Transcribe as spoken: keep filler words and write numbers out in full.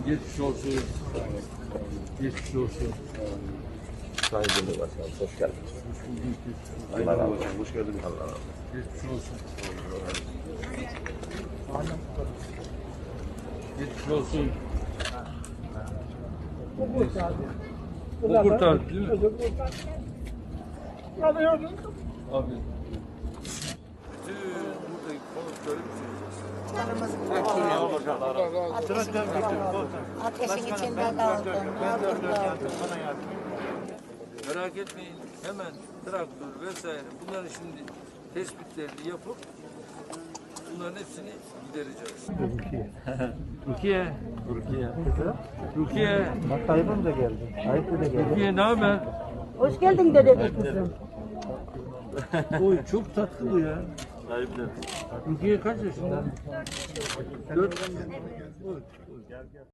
Geçmiş olsun. Geçmiş olsun. Sayın Cumhurbaşkanım, hoş geldiniz. Allah razı olsun. Hoş geldiniz. Allah razı olsun. Geçmiş olsun. Geçmiş olsun. O kurtardı değil mi? Abi. Bütün buradaki konukları Ateşin içinde kaldım. merak etmeyin. Hemen traktör vesaire bunların şimdi tespitlerini yapıp bunların hepsini gidereceğiz. Rukiye. Rukiye. Rukiye. Tayyip'im de geldi. Tayyip de geldi. Rukiye ne haber? Hoş geldin dede kızım. Oy çok tatlı bu ya. Rukiye kaç yaşında? Dört. Oy, oy, gel gel.